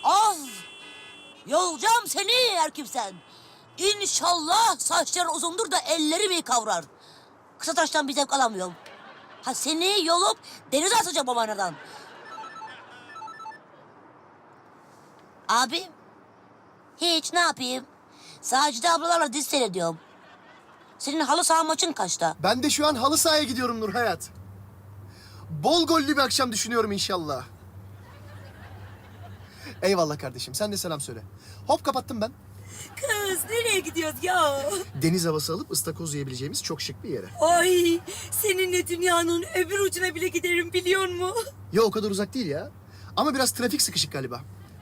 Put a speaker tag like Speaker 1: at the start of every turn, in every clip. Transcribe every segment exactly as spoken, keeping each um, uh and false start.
Speaker 1: Of! Yolacağım seni erkimsen. İnşallah saçların uzundur da ellerimi kavrar. Kısa taştan bir zevk alamıyorum. Ha seni yolup denize atacağım babaneden. Abi, hiç ne yapayım? Sacide ablalarla dizi seyrediyorum. Senin halı saha maçın kaçta?
Speaker 2: Ben de şu an halı sahaya gidiyorum Nur Hayat. Bol gollü bir akşam düşünüyorum inşallah. Eyvallah kardeşim. Sen de selam söyle. Hop kapattım ben.
Speaker 1: Kız nereye gidiyoruz ya?
Speaker 2: Deniz havası alıp ıstakoz yiyebileceğimiz çok şık bir yere.
Speaker 1: Ay seninle dünyanın öbür ucuna bile giderim biliyor musun?
Speaker 2: Ya o kadar uzak değil ya. Ama biraz trafik sıkışık galiba.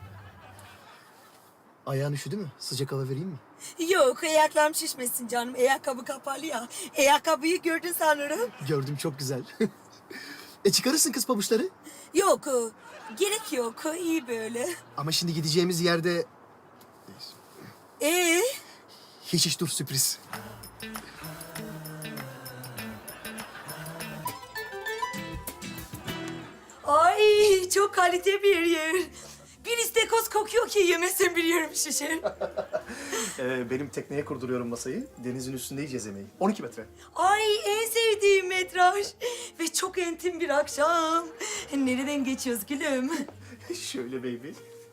Speaker 2: Ayağın üşüdü mü? Sıcak hava vereyim mi?
Speaker 3: Yok, ayaklarım şişmesin canım. Ayakkabı kapalı ya. Ayakkabıyı gördün sanırım.
Speaker 2: Gördüm, çok güzel. E çıkarırsın kız pabuçları.
Speaker 3: Yok, gerek yok. İyi böyle.
Speaker 2: Ama şimdi gideceğimiz yerde...
Speaker 3: Ee,
Speaker 2: Hiç hiç dur, sürpriz.
Speaker 3: ay çok kalite bir yer. Bir istekoz kokuyor ki yemesin bir yerim şişer.
Speaker 2: Ee, benim tekneye kurduruyorum masayı. Denizin üstünde yiyeceğiz yemeği. on iki metre.
Speaker 3: Ay en sevdiğim metraj. Ve çok entim bir akşam. Nereden geçiyoruz gülüm?
Speaker 2: Şöyle baby.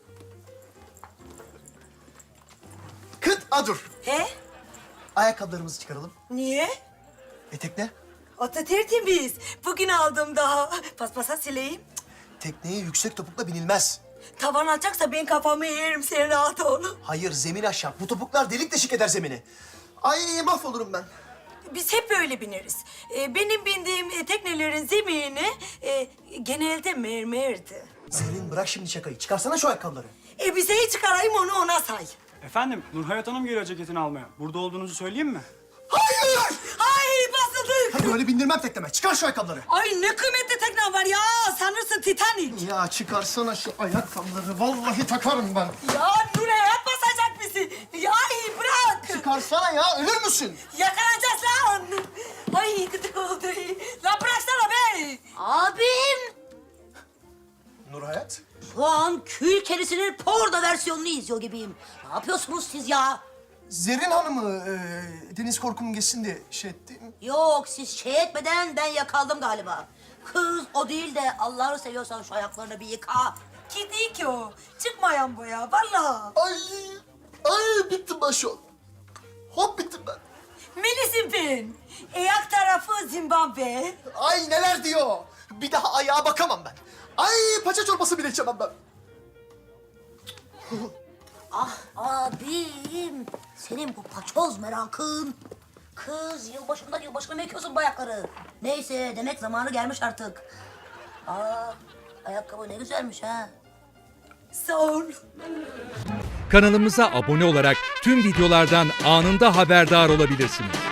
Speaker 2: Kıt a dur.
Speaker 3: He?
Speaker 2: Ayakkabılarımızı çıkaralım.
Speaker 3: Niye?
Speaker 2: E tekne?
Speaker 3: Ata tertemiz. Bugün aldım daha. Paspasa sileyim.
Speaker 2: Tekneye yüksek topukla binilmez.
Speaker 3: Tavan alacaksa ben kafamı eğerim, sen rahat ol.
Speaker 2: Hayır, zemin aşağı. Bu topuklar delik deşik eder zemini. Ay mahvolurum ben.
Speaker 3: Biz hep böyle bineriz. Ee, benim bindiğim e, teknelerin zemini e, genelde mermerdi.
Speaker 2: Zerrin bırak şimdi şakayı. Çıkarsana şu ayakkabıları.
Speaker 3: Elbiseyi çıkarayım onu ona say.
Speaker 4: Efendim, Nurhayat Hanım geliyor ceketini almaya. Burada olduğunuzu söyleyeyim mi?
Speaker 2: Hayır!
Speaker 3: Ay basıldık.
Speaker 2: Hadi öyle bindirmem tekneme. Çıkar şu ayakkabıları.
Speaker 3: Ay ne kıymetli tekne var ya. Sanırsın Titanic.
Speaker 2: Ya çıkarsana şu ayakkabıları. Vallahi takarım ben.
Speaker 3: Ya Nurhayat basacak bizi. Ya ay bırak.
Speaker 2: Çıkarsana ya. Ölür müsün?
Speaker 3: Yakalanacağız lan. Ay gıdık oldu. Lan bıraksana be.
Speaker 1: Abim!
Speaker 2: Nur Hayat.
Speaker 1: Şu an kül kerisinin porno versiyonunu izliyor gibiyim. Ne yapıyorsunuz siz ya?
Speaker 2: Zerrin Hanım'ı e, deniz korkum geçsin diye şey ettim.
Speaker 1: Yok siz şey etmeden ben yakaldım galiba. Kız o değil de Allah'ını seviyorsan şu ayaklarını bir yıka.
Speaker 3: Kedi ki o. Çıkmayan bu ya vallahi.
Speaker 2: Ay, ay bittim ben şu an. Hop bittim ben.
Speaker 3: Melis'im ben. Ayak tarafı Zimbabwe.
Speaker 2: Ay neler diyor. Bir daha ayağa bakamam ben. Ay paça çorbası bile içemem ben.
Speaker 1: Ah abim, senin bu paçoz merakın. Kız yılbaşından yılbaşına mı ekiyorsun bu ayakları? Neyse demek zamanı gelmiş artık. Aa, ayakkabı ne güzelmiş ha.
Speaker 3: Sağ ol.
Speaker 5: Kanalımıza abone olarak tüm videolardan anında haberdar olabilirsiniz.